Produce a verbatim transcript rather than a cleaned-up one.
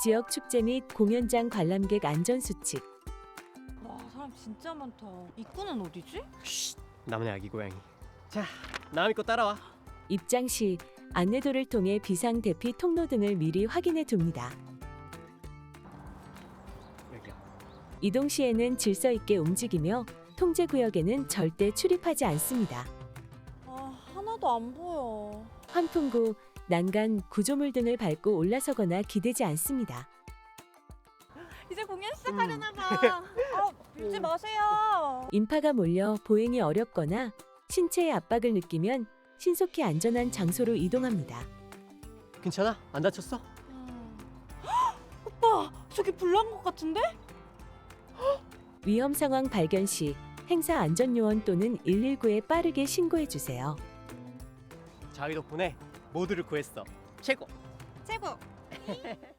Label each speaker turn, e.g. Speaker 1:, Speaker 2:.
Speaker 1: 지역 축제 및 공연장 관람객 안전 수칙.
Speaker 2: 와, 사람 진짜 많다. 입구는 어디지?
Speaker 3: 쉿, 나만의 아기 고양이. 자, 나음 믿고 따라와.
Speaker 1: 입장 시 안내도를 통해 비상 대피 통로 등을 미리 확인해 둡니다.
Speaker 3: 여기야.
Speaker 1: 이동 시에는 질서 있게 움직이며 통제 구역에는 절대 출입하지 않습니다.
Speaker 2: 아, 하나도 안 보여.
Speaker 1: 환풍구, 난간, 구조물 등을 밟고 올라서거나 기대지 않습니다.
Speaker 2: 이제 공연 시작하려나 봐. 아, 밀지 마세요.
Speaker 1: 인파가 몰려 보행이 어렵거나 신체의 압박을 느끼면 신속히 안전한 장소로 이동합니다.
Speaker 3: 괜찮아? 안 다쳤어?
Speaker 2: 음. 헉, 오빠, 저기 불난 것 같은데?
Speaker 1: 위험 상황 발견 시 행사 안전요원 또는 일일구에 빠르게 신고해 주세요.
Speaker 3: 자위 덕분에 모두를 구했어. 최고.
Speaker 2: 최고.